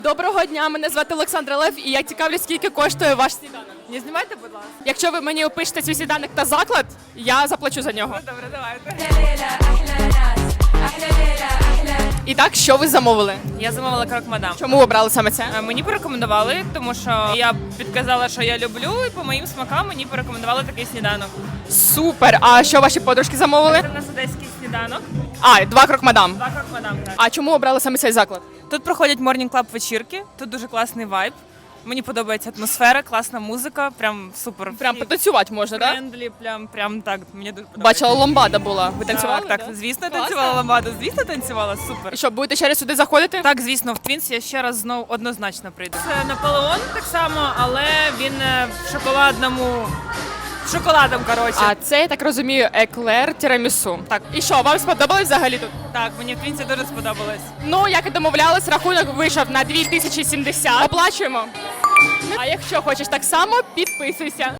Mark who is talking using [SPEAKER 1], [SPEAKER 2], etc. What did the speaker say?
[SPEAKER 1] Доброго дня, мене звати Олександра Лев, і я цікавлюсь, скільки коштує ваш сніданок.
[SPEAKER 2] Не знімайте, будь ласка.
[SPEAKER 1] Якщо ви мені опишете свій сніданок та заклад, я заплачу за нього.
[SPEAKER 2] Добре, давайте.
[SPEAKER 1] І так, що ви замовили?
[SPEAKER 2] Я замовила крок мадам.
[SPEAKER 1] Чому обрали саме це?
[SPEAKER 2] Мені порекомендували, тому що я підказала, що я люблю, і по моїм смакам мені порекомендували такий сніданок.
[SPEAKER 1] Супер! А що ваші подружки замовили?
[SPEAKER 2] Це в нас одеський сніданок.
[SPEAKER 1] А, 2 крок-мадам.
[SPEAKER 2] Два крок мадам. Так.
[SPEAKER 1] А чому обрали саме цей заклад?
[SPEAKER 2] Тут проходять морнінг-клаб вечірки, тут дуже класний вайб. Мені подобається атмосфера, класна музика, прям супер.
[SPEAKER 1] Прям потанцювати можна, так?
[SPEAKER 2] френдлі, прям так. Мені дуже подобається.
[SPEAKER 1] Бачила, ломбада була. Ви танцювали?
[SPEAKER 2] Так,
[SPEAKER 1] да?
[SPEAKER 2] звісно,
[SPEAKER 1] Класно.
[SPEAKER 2] танцювала ламбаду, звісно, танцювала, супер.
[SPEAKER 1] І що, будете ще раз сюди заходити?
[SPEAKER 2] Так, звісно, в Твінс я ще раз знову однозначно прийду. Це Наполеон так само, але він в шоколадному. Шоколадом, коротше.
[SPEAKER 1] А це, я так розумію, еклер тірамісу. Так. І що, вам сподобалось взагалі тут?
[SPEAKER 2] Так, мені в Твінсі дуже сподобалось.
[SPEAKER 1] Ну, як і домовлялись, рахунок вийшов на 2070. Оплачуємо. А якщо хочеш так само, підписуйся.